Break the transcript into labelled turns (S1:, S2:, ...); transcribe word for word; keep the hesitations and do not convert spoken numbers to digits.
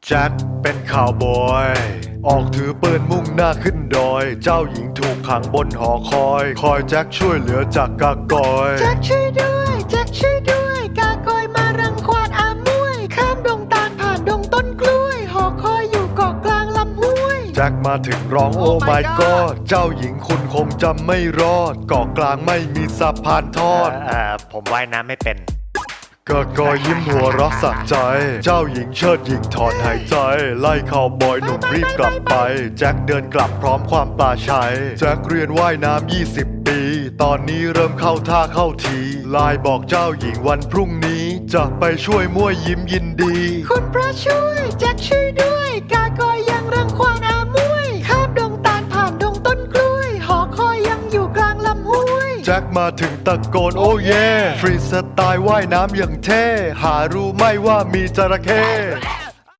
S1: แจ็คเป็นข่าวบอยออกถือปืนมุ่งหน้าขึ้นดอยเจ้าหญิงถูกขังบนหอคอยคอยแจ็คช่วยเหลือจากกากอย
S2: แจ็คช่วยด้วยแจ็คช่วยด้วยกากอยมารังควานอามวยข้ามดงตาลผ่านดงต้นกล้วยหอคอยอยู่เกาะกลางลำห้วย
S1: แจ็คมาถึงร้องโอ้ my god เจ้าหญิงคุณคงจำไม่รอดเกาะกลางไม่มีสะพานทอด
S3: เอ่อผมว่ายน้ำไม่เป็น
S1: กากอยยิ้มหัวเรักสักใจเจ้าหญิงเชิดหญิงถอนหายใจไล่ข่าวบอยหนุ่มรีบกลับไปแจ็คเดินกลับพร้อมความปลาชัยแจ็คเรียนว่ายน้ำยี่สิบปีตอนนี้เริ่มเข้าท่าเข้าทีไลน์บอกเจ้าหญิงวันพรุ่งนี้จะไปช่วยมั่วยิ้มยินดี
S2: คุณพระช่วยแจ็คช่วยด้วยกากอยยังรังควานอามวยข้ามดงตาลผ่านดงต้นกล้วยหอคอยยังอยู่กลางลำห้วย
S1: แจ็คมาถึงตะโกนโอ้เย่ฟรีสไตล์ว่ายน้ำอย่างเท่หารู้ไหม่ว่ามีจระเข้